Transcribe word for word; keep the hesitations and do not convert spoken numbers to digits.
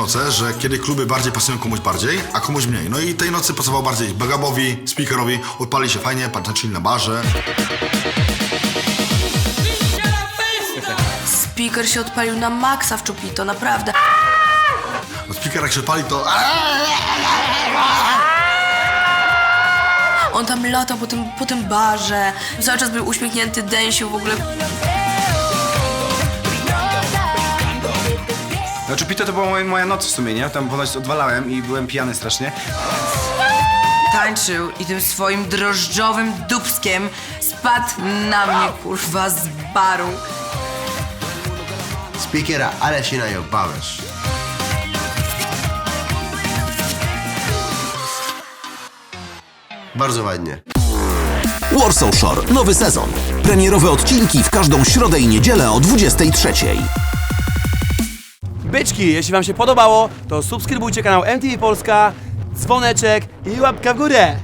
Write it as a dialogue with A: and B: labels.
A: noce, że kiedy kluby bardziej pasują komuś bardziej, a komuś mniej. No i tej nocy pasował bardziej Bagabowi, Speakerowi, odpali się fajnie, tańczyli na barze.
B: Speaker się odpalił na maksa w Chupito, naprawdę.
A: No Speaker jak się odpali, to...
B: On tam latał po tym, po tym barze, cały czas był uśmiechnięty, dęsił w ogóle.
C: No Chupito to była moja, moja noc w sumie, nie? Tam ponoć odwalałem i byłem pijany strasznie.
D: Tańczył i tym swoim drożdżowym dupskiem spadł na mnie, kurwa, z baru.
E: Speakera, ale się najobałeś. Bardzo ładnie.
F: Warsaw Shore, nowy sezon. Premierowe odcinki w każdą środę i niedzielę o dwudziestej trzeciej.
G: Byczki, jeśli wam się podobało, to subskrybujcie kanał M T V Polska, dzwoneczek i łapka w górę.